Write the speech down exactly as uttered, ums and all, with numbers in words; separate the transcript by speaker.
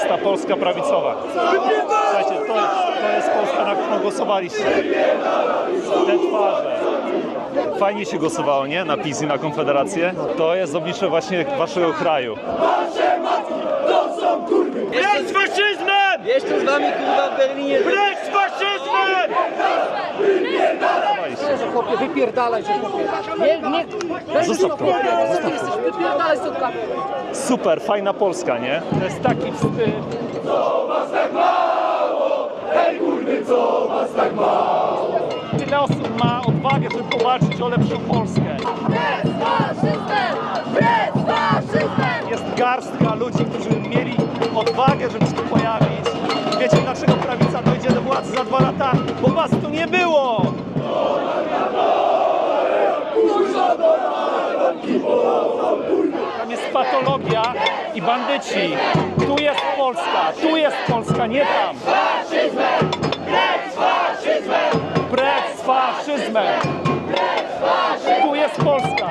Speaker 1: ta Polska prawicowa. Słuchajcie, to, to jest Polska, na którą głosowaliście. Te twarze. Fajnie się głosowało, nie? Na PiS i na Konfederację. To jest oblicze właśnie waszego kraju.
Speaker 2: Precz z faszyzmem!
Speaker 3: Jeszcze z wami kurwa w Berlinie.
Speaker 2: Precz z faszyzmem!
Speaker 4: Chłopie, wypierdalaj się, chłopie. Nie, nie.
Speaker 1: Zostaw to.
Speaker 4: Zostaw to. Jesteś, wypierdalaj stąd kamerę.
Speaker 1: Super, fajna Polska, nie? To jest taki wstyd. Tyle osób ma odwagę, żeby powalczyć o lepszą Polskę.
Speaker 5: Precz z faszyzmem! Precz z faszyzmem!
Speaker 1: Jest garstka ludzi, którzy mieli odwagę, żeby się tu pojawić. Wiecie, dlaczego prawica dojdzie do władzy za dwa lata? Bo was tu nie było! Tam jest patologia i bandyci. Tu jest Polska, tu jest Polska, nie tam.
Speaker 2: Faszyzmem! Precz z faszyzmem!
Speaker 1: Precz z faszyzmem! Tu jest Polska!